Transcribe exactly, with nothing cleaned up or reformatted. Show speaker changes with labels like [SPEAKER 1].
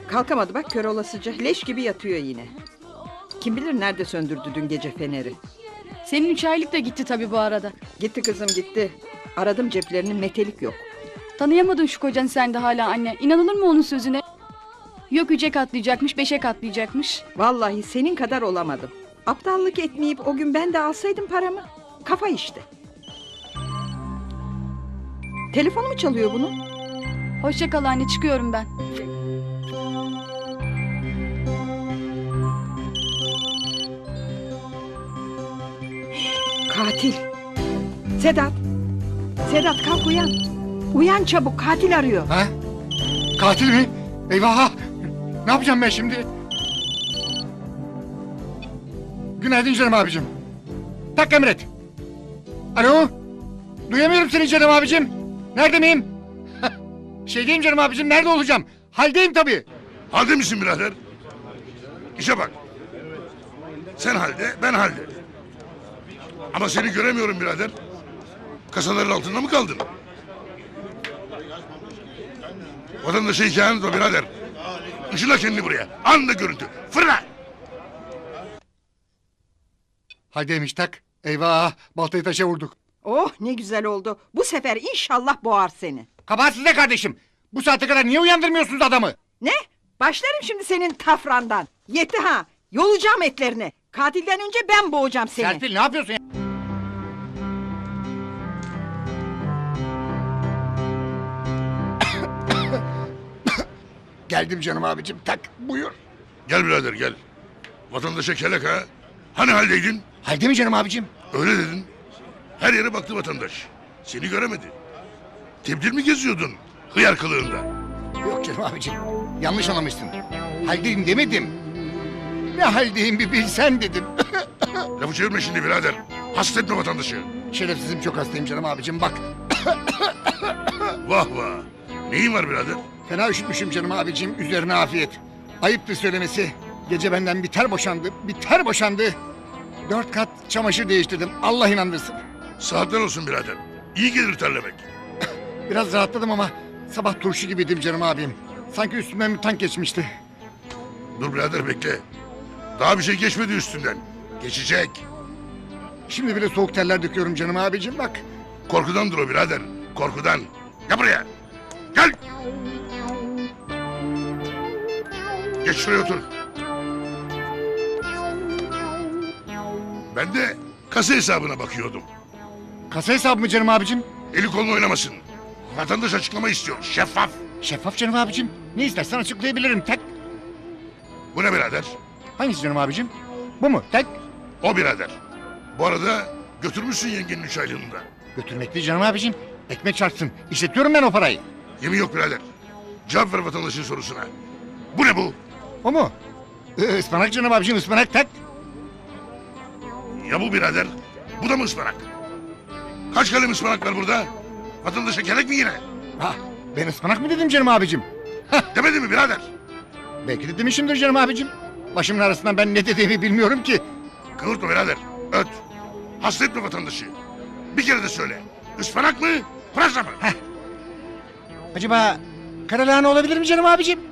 [SPEAKER 1] Kalkamadı bak, kör olasıca. Leş gibi yatıyor yine. Kim bilir nerede söndürdü dün gece feneri.
[SPEAKER 2] Senin üç aylık da gitti tabii bu arada.
[SPEAKER 1] Gitti kızım gitti. Aradım ceplerinin, metelik yok.
[SPEAKER 2] Tanıyamadın şu kocanı sen de hala anne. İnanılır mı onun sözüne? Yok üçe katlayacakmış, beşe katlayacakmış.
[SPEAKER 1] Vallahi senin kadar olamadım. Aptallık etmeyip o gün ben de alsaydım paramı. Kafa işte. Telefonu mu çalıyor bunun?
[SPEAKER 2] Hoşça kal anne, çıkıyorum ben.
[SPEAKER 1] Katil. Sedat. Sedat kalk uyan. Uyan çabuk, katil arıyor.
[SPEAKER 3] Ha? Katil mi? Eyvah! Ne yapacağım ben şimdi? Günaydın canım abicim. Tak emret. Alo? Duyamıyorum seni canım abicim. Nerede miyim? Şeydeyim canım abicim, nerede olacağım? Haldeyim tabii.
[SPEAKER 4] Halde misin birader? İşe bak. Sen halde, ben halde. Ama seni göremiyorum birader. Kasaların altında mı kaldın? Vatandaşa hikayen o birader. Işıla kendini buraya. Anında görüntü. Fırla!
[SPEAKER 3] Haldeymiş tak. Eyvah! Baltayı taşa vurduk.
[SPEAKER 1] Oh ne güzel oldu. Bu sefer inşallah boğar seni.
[SPEAKER 3] Kabahat sizde kardeşim. Bu saate kadar niye uyandırmıyorsunuz adamı?
[SPEAKER 1] Ne? Başlarım şimdi senin tafrandan. Yetti ha. Yolacağım etlerini. Katilden önce ben boğacağım seni.
[SPEAKER 3] Serpil ne yapıyorsun ya? Geldim canım abicim, tak buyur.
[SPEAKER 4] Gel birader gel. Vatandaşa kelek ha. Hani haldeydin?
[SPEAKER 3] Halde mi canım abicim?
[SPEAKER 4] Öyle dedin. Her yere baktı vatandaş. Seni göremedi. Tebdil mi geziyordun? Hıyar kılığında.
[SPEAKER 3] Yok canım abicim, yanlış anlamışsın. Haldeyim demedim. Ne haldeyim bir bilsen dedim.
[SPEAKER 4] Lafı çevirme şimdi birader. Hasta etme vatandaşı.
[SPEAKER 3] Şerefsizim, çok hastayım canım abicim, bak.
[SPEAKER 4] Vah vah. Neyin var birader?
[SPEAKER 3] Fena üşütmüşüm canım abicim, üzerine afiyet. Ayıptır söylemesi. Gece benden bir ter boşandı, bir ter boşandı. Dört kat çamaşır değiştirdim, Allah inandırsın.
[SPEAKER 4] Saatler olsun birader. İyi gelir terlemek.
[SPEAKER 3] Biraz rahatladım ama sabah turşu gibiydim canım abim. Sanki üstümden bir tank geçmişti.
[SPEAKER 4] Dur birader bekle. Daha bir şey geçmedi üstünden. Geçecek.
[SPEAKER 3] Şimdi bile soğuk terler döküyorum canım abicim, bak.
[SPEAKER 4] Korkudandır o birader. Korkudan. Gel buraya. Gel. Geç şuraya otur. Ben de kasa hesabına bakıyordum.
[SPEAKER 3] Kasa hesabı mı canım abicim?
[SPEAKER 4] Eli kolunu oynamasın. Vatandaş açıklama istiyor. Şeffaf.
[SPEAKER 3] Şeffaf canım abicim. Ne istersen açıklayabilirim, tek.
[SPEAKER 4] Bu ne birader?
[SPEAKER 3] Hangisi canım abicim? Bu mu? Tek.
[SPEAKER 4] O birader. Bu arada götürmüşsün yengenin üç aylığını da.
[SPEAKER 3] Götürmekli canım abicim. Ekmek çarpsın. İşletiyorum ben o parayı.
[SPEAKER 4] Yemin yok birader. Cevap ver vatandaşın sorusuna. Bu ne bu?
[SPEAKER 3] O mu? Ee, ıspanak canım abicim, ıspanak tek.
[SPEAKER 4] Ya bu birader? Bu da mı ıspanak? Kaç kalem ıspanak var burada? Vatandaşa gerek mi yine?
[SPEAKER 3] Ha, ben ıspanak mı dedim canım abicim?
[SPEAKER 4] Demedi mi birader?
[SPEAKER 3] Belki de demişimdir canım abicim. Başımın arasından ben ne dediğimi bilmiyorum ki.
[SPEAKER 4] Kıvırtma birader. Öt. Hasta etme vatandaşı. Bir kere de söyle. Ispanak mı? Pırasa mı?
[SPEAKER 3] Acaba karalahana olabilir mi canım abicim?